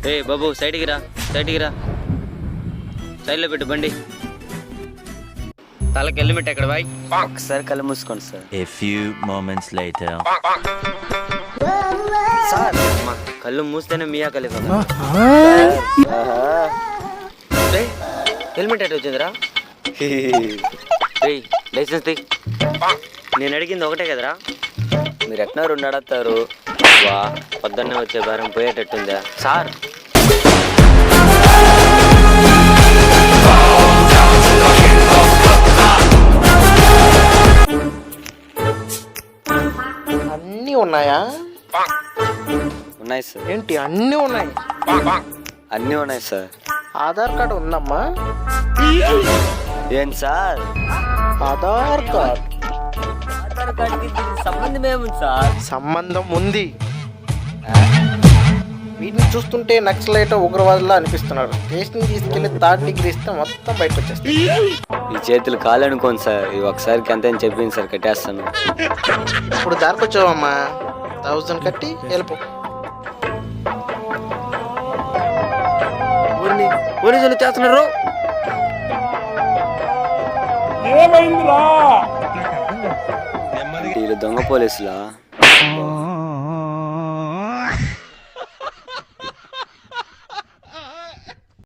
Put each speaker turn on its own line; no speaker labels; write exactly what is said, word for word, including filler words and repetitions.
ఏ బాబు సైడ్కి రా, సైడ్కి రా, సైడ్లో పెట్టు బండి. తలకి హెల్మెట్ ఎక్కడ బాయ్? ఒకసారి కళ్ళు మూసుకోండి sir.
A few moments later.
Sir మా కళ్ళు మూస్తేనే మియా ఖలీఫా. హెల్మెట్ ఎట్ వచ్చిందిరా? రేయ్ లైసెన్స్ తీ. నేను అడిగింది ఒకటే కదరా, మీరు ఎట్లా రెండు అడతారు? వా పొద్దున్నే వచ్చే భారం పోయేటట్టుందా సార్?
అన్నీ ఉన్నాయా?
ఉన్నాయి సార్.
ఏంటి అన్నీ ఉన్నాయి?
అన్నీ ఉన్నాయి సార్.
ఆధార్ కార్డు ఉందమ్మా?
ఏం సార్?
ఆధార్ కార్డ్
ఆధార్ కార్డుకి సంబంధం ఏముంది సార్?
సంబంధం ఉంది. వీటిని చూస్తుంటే నక్సలైట్ ఉగ్రవాదులా అనిపిస్తున్నారు. స్టేషన్ తీసుకెళ్లి థర్డ్ డిగ్రీ ఇస్తే మొత్తం బయటకు వచ్చేస్తాయి.
ఈ చేతులు కాలు అనుకోండి సార్. ఇవి ఒకసారికి ఎంత అని చెప్పింది సార్, కట్టేస్తాను.
ఇప్పుడు దారికొచ్చావమ్మా, థౌజండ్ కట్టి వెళ్ళిపో.
ఊరిని పోలీసులు చేస్తున్నారు. వీళ్ళు దొంగ పోలీసులా?